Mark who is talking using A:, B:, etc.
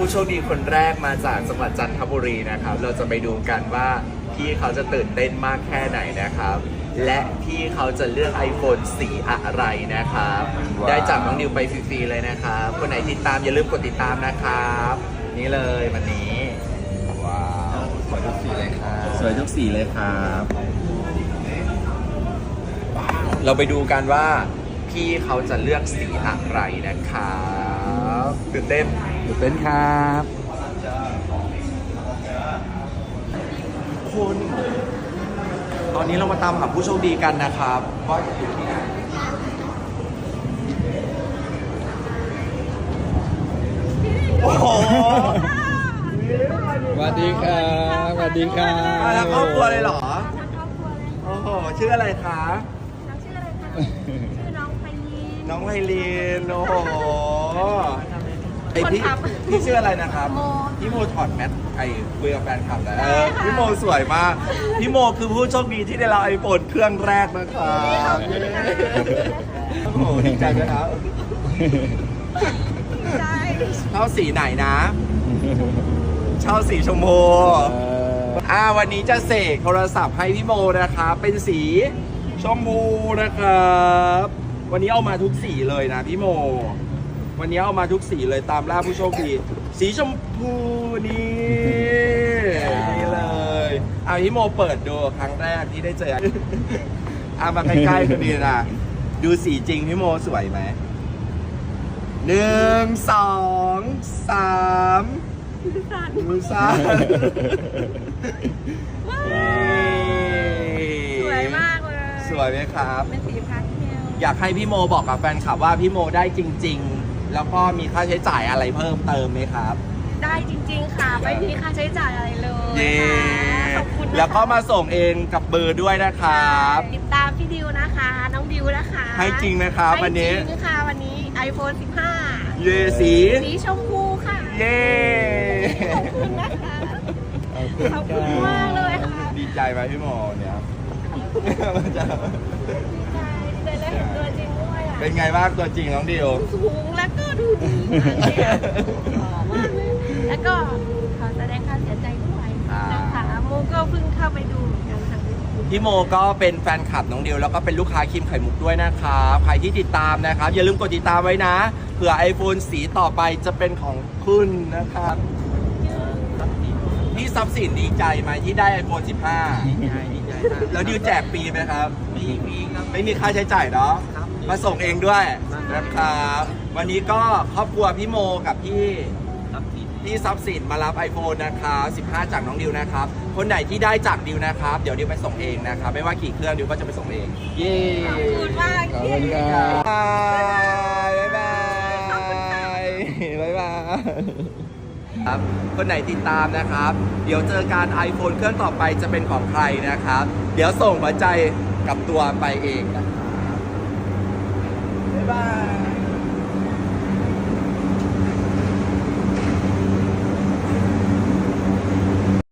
A: ผู้โชคดีคนแรกมาจากจังหวัดจันทบุรีนะครับเราจะไปดูกันว่าพี่เขาจะตื่นเต้นมากแค่ไหนนะครับและพี่เขาจะเลือก iPhone สีอะไรนะครับได้จากน้องนิวไปฟรีๆเลยนะครับคนไหนติดตามอย่าลืมกดติดตามนะครับนี่เลยวันนี้ว้าวสวยทุกสีเลยครับสวยทุกสีเลยครับเราไปดูกันว่าพี่เขาจะเลือกสีอะไรนะครับตื่นเต้นครับคุณตอนนี้เรามาตามหาผู้โชคดีกันนะครับว่าจะอยู่ที่ไหนโอ้โห
B: สวัสดีครับสวัสดีครับ
A: มาทั้งครอบครัวเลยเหรอโอ้โหชื่ออะไรคะ
C: น้องชื่ออะไรคะชื่อน้องไพลีน
A: น้องไพลีนโอ้โหไอพี่
C: คนขับ
A: พี่ชื่ออะไรนะครับ
C: โม
A: พี่โมถอดแมสไอคุยกับแฟนคลับแล้ว
C: ได้ค่ะ
A: พี่โมสวยมากพี่โมคือผู้โชคดีที่ได้รับไอโฟนเครื่องแรกนะครับโอ้โหดีใจไหมครับ
C: ใช่
A: เช่าสีไหนนะเช่าสีชมพูวันนี้จะเสกโทรศัพท์ให้พี่โมนะครับเป็นสีชมพูนะครับวันนี้เอามาทุกสีเลยนะพี่โมวันนี้เอามาทุกสีเลยตามล่าผู้โชคดีสีชมพูนี่เลยพี่โมเปิดดูครั้งแรกที่ได้เจอมาใกล้ๆกันดีนะดูสีจริงพี่โมสวยไหม1 2 3มือสั่น
C: สวยมากเลย
A: สวยไหมครับ
C: เป็นสีพาสเทล
A: อยากให้พี่โมบอกกับแฟนคลับว่าพี่โมได้จริงๆแล้วก็มีค่าใช้จ่ายอะไรเพิ่มเติมไหมครับ
C: ได้จริงๆค่ะไม่มีค่าใช้จ่ายอะไรเลย
A: เย้
C: ขอบคุณนะคะ
A: แล้วก็มาส่งเองกับเบอร์ด้วยนะครับ
C: ติดตามพี่ดิวนะคะน้องดิวนะคะ
A: ให้จริงนะครับวันนี้
C: ให้จริงค่ะวันนี้ iPhone 15
A: เย่สี
C: สีชมพูค่ะ
A: เย่
C: ขอบคุณนะคะขอบคุณมากเลยค่ะ
A: ดีใจไหมพี่โมเนี่ย
C: ดีใจได้เห็นตัวจริงด้วยอ่ะ
A: เป็นไงบ้างตัวจริงน้องดิว
C: สูงแล้วก็ดูดีมากเลยอะหล่อมากเลยแล้วก็ขอแสดงความเสียใจด้วยนะคะโมก็เพิ่งเข้าไปดูเหมือนกันค่ะ
A: พี่โมก็เป็นแฟนคลับน้องดิวแล้วก็เป็นลูกค้าครีมไข่มุกด้วยนะครับใครที่ติดตามนะครับอย่าลืมกดติดตามไว้นะเผื่อ iPhone สีต่อไปจะเป็นของคุณนะครับพี่ทรัพย์สินดีใจไหมที่ได้ iPhone 15ดีใจมากแล้วดิวแจกฟรีไหมครับไม่มีครับไม่มีค่าใช้จ่ายเนาะมาส่งเองด้วยนะครับวันนี้ก็ครอบครัวพี่โมกับพี่ทรัพย์สินมารับ iPhone นะครับ15จากน้องดิวนะครับคนไหนที่ได้จากดิวนะครับเดี๋ยวดิวไปส่งเองนะครับไม่ว่ากี่เครื่องดิวก็จะไปส่งเองเย้
C: ขอบคุณมาก
B: ขอบคุณครับ
A: บ๊ายบายบ๊ายบายครับคนไหนติดตามนะครับ เดี๋ยวเจอการ iPhone เครื่องต่อไปจะเป็นของใครนะครับ เดี๋ยวส่งหัวใจกับตัวไปเองนะครับบ๊ายบาย